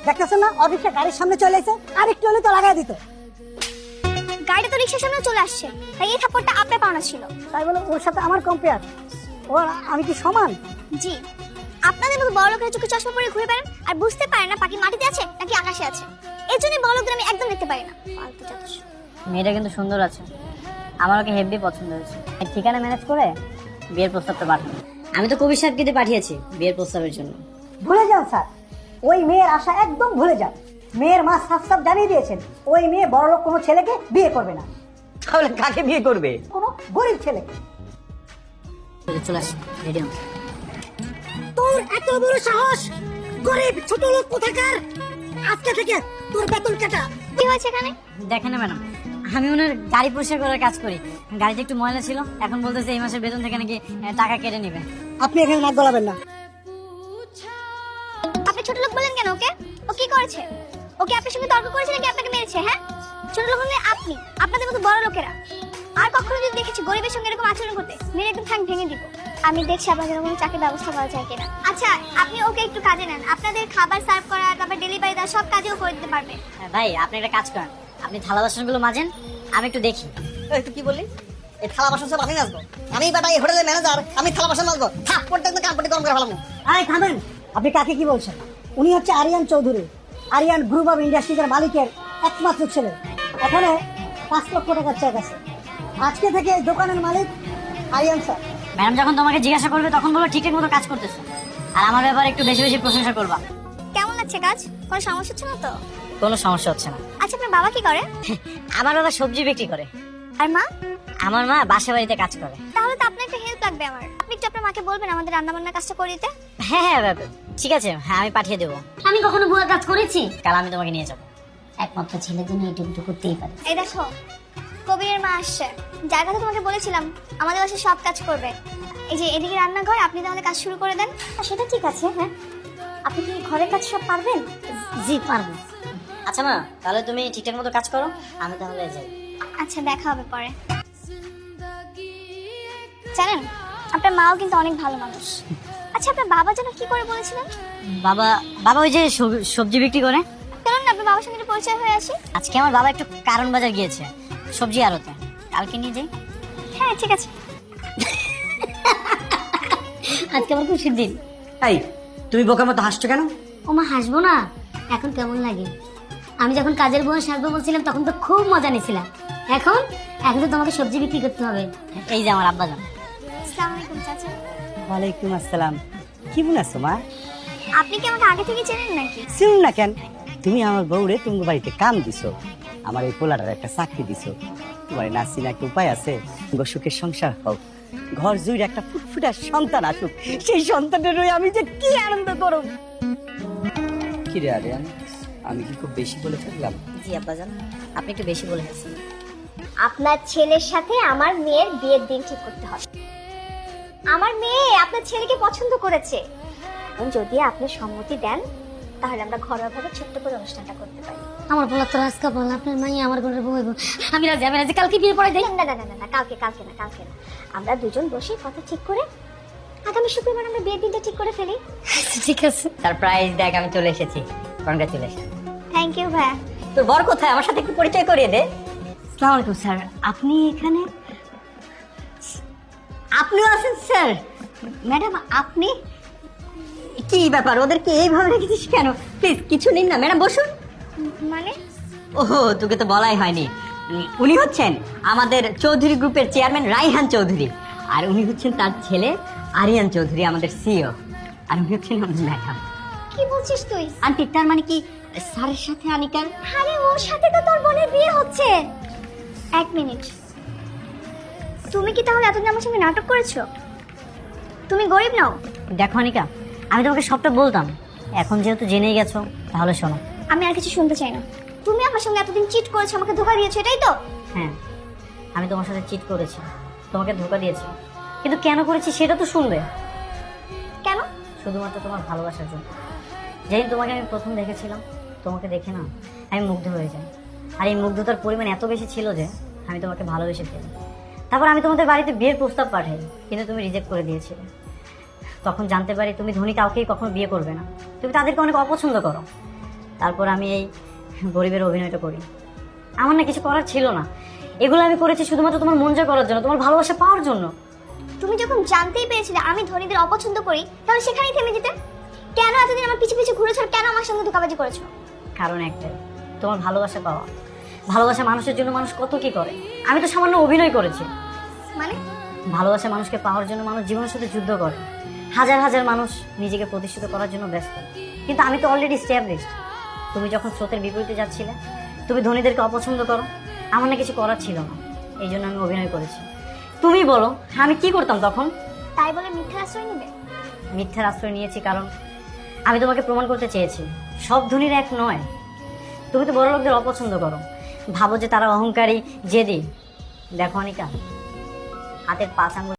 দেখতেছেন না অফিসে গাড়ির সামনে চলে এসে আর একটু হলে তো লাগাই দিত। গাড়িটা তো রিক্সার সামনে চলে আসছে, তাই এই থাপ্পড়টা আপনার পাওনা ছিল। তাই বলে ওর সাথে আমার কম্পেয়ার? ও আমি কি সমান? জি, আপনাদের মতো বড় লোকেরা চোখে চশমা পরে ঘুরে বেড়ান আর বুঝতে পারেন না পাখি মাটিতে আছে নাকি আকাশে আছে। এর জন্য বড় লোকদের আমি একদম দেখতে পারি না। ফালতু চাতুস। মেয়েটা কিন্তু সুন্দর আছে, আমার ওকে হেভি পছন্দ হয়েছে। ঠিকানা ম্যানেজ করে বিয়ের প্রস্তাবটা পাঠাবো। আমি তো কবির সাহেবকে পাঠিয়েছি বিয়ের প্রস্তাবের জন্য। ভুলে যান স্যার, ওই মেয়ের আশা একদম ভুলে যান। মেয়ের মা সাফ সাফ জানিয়ে দিয়েছেন ওই মেয়ে বড়লোক কোনো ছেলেকে বিয়ে করবে না। তাহলে কাকে বিয়ে করবে? কোনো গরিব ছেলেকে। চলে আসি, রেডি হন। তোর এত বড় সাহস! গরিব ছোট লোক কোথাকার! আজকে থেকে তোর বেতন কাটা। কি হয়েছে এখানে? দেখেন না ম্যাডাম, আমি ওনার গাড়ি পরিষ্কার করার কাজ করি। গাড়িতে একটু ময়লা ছিল, এখন বলতেছে এই মাসের বেতন থেকে নাকি টাকা কেটে নেবে। আপনি এখানে নাক গলাবেন না। আপনি ছোট লোক বলেন কেন ওকে? ও কি করেছে? ওকে আপনার সঙ্গে তর্ক করেছে নাকি আপনাকে মেরেছে? হ্যাঁ, ছোট লোক হলে আপনি, আপনাদের মতো বড় লোকেরা। আর কখনো যদি দেখেছি গরিবের সঙ্গে এরকম আচরণ করতে, মেরে একদম ঠ্যাং ভেঙে দিব। আমি দেখছি আপনাদের কোনো চাকরির ব্যবস্থা করা যায় কিনা। আচ্ছা, আপনি ওকে একটু কাজে নেন, আপনাদের খাবার সার্ভ করা, তারপর ডেলিভারি দেওয়া সব কাজেও করে দিতে পারবে। ভাই আপনি একটা কাজ করেন, আপনি থালা বাসনগুলো মাজেন, আমি একটু দেখি। তুই কি বললি? এই থালা বাসন সব আমি মাজবো? আমি বেটা এই হোটেলের ম্যানেজার, আমি থালা বাসন মাজবো? থাক, প্রত্যেকটা কাম গরম করে ফেলাম। আরে থামেন, আপনি কাকে কি বলছেন? উনি হচ্ছে আরিয়ান চৌধুরী, আরিয়ান গ্রুপ অফ ইন্ডাস্ট্রিজের মালিকের একমাত্র ছেলে। এখানে 5 লক্ষ টাকার চেক আছে। আজকে থেকে এই দোকানের মালিক আরিয়ান স্যার। ম্যাডাম যখন তোমাকে জিজ্ঞাসা করবে তখন বলো ঠিকঠাক মতো কাজ করতেছো, আর আমার ব্যাপারে একটু বেশি বেশি প্রশংসা করবা। কেমন লাগছে কাজ? কোনো সমস্যা হচ্ছে না তো? কোনো সমস্যা হচ্ছে না। আচ্ছা, আপনার বাবা কি করে? আমার বাবা সবজি বিক্রি করে, আর মা? আমার মা বাসা বাড়িতে কাজ করে। তাহলে তো আপনার একটা হেল্প লাগবে আমার। আপনি একটু আপনার মাকে বলবেন আমাদের রান্না বান্নার কাজটা করে দিতে। হ্যাঁ হ্যাঁ ঠিক আছে, হ্যাঁ আমি পাঠিয়ে দেবো। আমি কখনো বুয়া কাজ করেছি? কাল আমি তোমাকে নিয়ে যাবো। একমাত্র ছেলের জন্য এইটুকু করতেই পারে। এই দেখো, কবিরের মা আসছে, যার কথা তোমাকে বলেছিলাম আমাদের বাসায় সব কাজ করবে। এই যে এদিকে রান্নাঘর, আপনি তাহলে কাজ শুরু করে দেন। সেটা ঠিক আছে। হ্যাঁ, আপনি কি ঘরের কাজ সব পারবেন? জি পারবো। আচ্ছা মা, তাহলে তুমি ঠিকঠাক মতো কাজ করো, আমি তাহলে যাই। আচ্ছা, দেখা হবে পরে। জানেন, আপনার মাও কিন্তু অনেক ভালো মানুষ। আচ্ছা, আপনার বাবা যেন কি করে বলেছিলেন? বাবা বাবা ওই যে সবজি বিক্রি করে। চলুন না আপনার বাবার সঙ্গে একটু পরিচয় হয়ে আসি। আজকে আমার বাবা একটু কারণ বাজার গিয়েছে সবজি আড়তে, কালকে নিয়ে যাই। হ্যাঁ ঠিক আছে। আজকে আমার খুশির দিন। এই, তুমি বোকার মতো হাসছো কেন? ওমা হাসবো না? এখন কেমন লাগে? আমি যখন কাজের বউ সাজবো বলছিলাম তখন তো খুব মজা নিছিলাম। এখন এখন তো তোমাকে সবজি বিক্রি করতে হবে। এই যে আমার আব্বা জান। আসসালামু আলাইকুম চাচা। ওয়ালাইকুম আসসালাম। কেমন আছো মা? আপনি কি আমাকে আগে থেকে চেনেন নাকি? চিন না কেন? তুমি আমার বউরে তুমি বাড়িতে কাম দিছো, আমার এই পোলাটার একটা চাকরি দিছো। তোমার না চিনা একটা উপায় আছে? সুখের সংসার হোক, ঘর জুড়ে একটা ফুটফুটার সন্তান আসুক, সেই সন্তানের হয়ে আমি যে কি আনন্দ করব। কি রে আরিয়ান, আমি কি খুব বেশি বলে ফেললাম? জি আব্বা জান, আপনি একটু বেশি বলে গেছেন। আপনার ছেলের সাথে আমার মেয়ের বিয়ের দিন ঠিক করতে হবে। আমার মেয়ে আপনার ছেলেকে পছন্দ করেছে। এখন যদি আপনি সম্মতি দেন তাহলে আমরা ঘরোয়াভাবে ছোট্ট করে অনুষ্ঠানটা করতে পারি। আমার বলা তো আজকে বল, আপনার মাই আমার ঘরের বউ হইব। আমি রাজি, আমি রাজি। কালকে বিয়ে পড়াই দেয়। না না না না না, কালকে না। আমরা দুজন বসে কথা ঠিক করে আগামী শুক্রবার আমরা বিয়ের দিনটা ঠিক করে ফেলি। ঠিক আছে। সারপ্রাইজ দেখ, আমি চলে এসেছি। কনগ্রাচুলেশন। থ্যাংক ইউ ভাইয়া। তোর বর কোথায়? আমার সাথে একটু পরিচয় করিয়ে দে। আসসালামু আলাইকুম স্যার, আপনি এখানে? আপনিও আছেন স্যার? ম্যাডাম আপনি কি ব্যাপার, ওদেরকে এইভাবে রেখেছিস কেন? প্লিজ কিছু নিন না ম্যাডাম, বসুন। মানে? ওহো, তোকে তো বলাই হয়নি। উনি হচ্ছেন আমাদের চৌধুরী গ্রুপের চেয়ারম্যান রাইহান চৌধুরী, আর উনি হচ্ছেন তার ছেলে আরিয়ান চৌধুরী, আমাদের সিইও। আর উনি হচ্ছেন আমাদের ম্যাডাম। কি বলছিস তুই? আন্টি, তার মানে কি স্যারের সাথে আনিকার? আরে ওর সাথে তো তোর বোনের বিয়ে হচ্ছে। এক মিনিট, তুমি কি তাহলে এতদিন আমার সঙ্গে নাটক করেছো? তুমি গরিব নাও? দেখো আনিকা, আমি তোমাকে সবটা বলতাম, এখন যেহেতু জেনেই গেছো তাহলে শোনো। আমি আর কিছু শুনতে চাই না। তুমি আমার সঙ্গে এতদিন চিট করেছো, আমাকে ধোকা দিয়েছো, এটাই তো? হ্যাঁ, আমি তোমার সাথে চিট করেছি, তোমাকে ধোকা দিয়েছি, কিন্তু কেন করেছি সেটা তো শুনবে। কেন? শুধুমাত্র তোমার ভালোবাসার জন্য। যেদিন তোমাকে আমি প্রথম দেখেছিলাম, তোমাকে দেখে না আমি মুগ্ধ হয়ে যাই। আর এই মুগ্ধতার পরিমাণ এত বেশি ছিল যে আমি তোমাকে ভালোবেসে ফেলি। তারপর আমি তোমাদের বাড়িতে বিয়ের প্রস্তাব পাঠাই, কিন্তু তুমি রিজেক্ট করে দিয়েছিলে। তখন জানতে পারি তুমি ধনী কাউকেই কখনো বিয়ে করবে না, তুমি তাদেরকে অনেক অপছন্দ করো। তারপর আমি এই গরিবের অভিনয়টা করি। আমার না কিছু করার ছিল না, এগুলো আমি করেছি শুধুমাত্র তোমার মন জয় করার জন্য, তোমার ভালোবাসা পাওয়ার জন্য। তুমি যখন জানতেই পেরেছিলে আমি ধনীদের অপছন্দ করি, তাহলে সেখানেই থেমে যেতে। কেন এতদিন আমার পিছু পিছু ঘুরেছো, আর কেন আমার সঙ্গে ধোঁকাবাজি করেছো? কারণ একটাই, তোমার ভালোবাসা পাওয়া। ভালোবাসা মানুষের জন্য মানুষ কত কি করে, আমি তো সামান্য অভিনয় করেছি। মানে ভালোবাসা মানুষকে পাওয়ার জন্য মানুষ জীবনের সাথে যুদ্ধ করে, হাজার হাজার মানুষ নিজেকে প্রতিষ্ঠিত করার জন্য ব্যস্ত, কিন্তু আমি তো অলরেডি স্ট্যাবলিশড। তুমি যখন স্রোতের বিপরীতে যাচ্ছিলে, তুমি ধনীদেরকে অপছন্দ করো, আমার না কিছু করার ছিল না, এই জন্য আমি অভিনয় করেছি। তুমি বলো আমি কি করতাম তখন? তাই বলে মিথ্যা আশ্রয় নেবে? মিথ্যার আশ্রয় নিয়েছি কারণ আমি তোমাকে প্রমাণ করতে চেয়েছি সব ধনীর এক নয়। তুমি তো বড় লোকদের অপছন্দ করো, ভাবো যে তারা অহংকারী, জেদি। দেখো অনিকা, হাতের 5 আঙ্গুল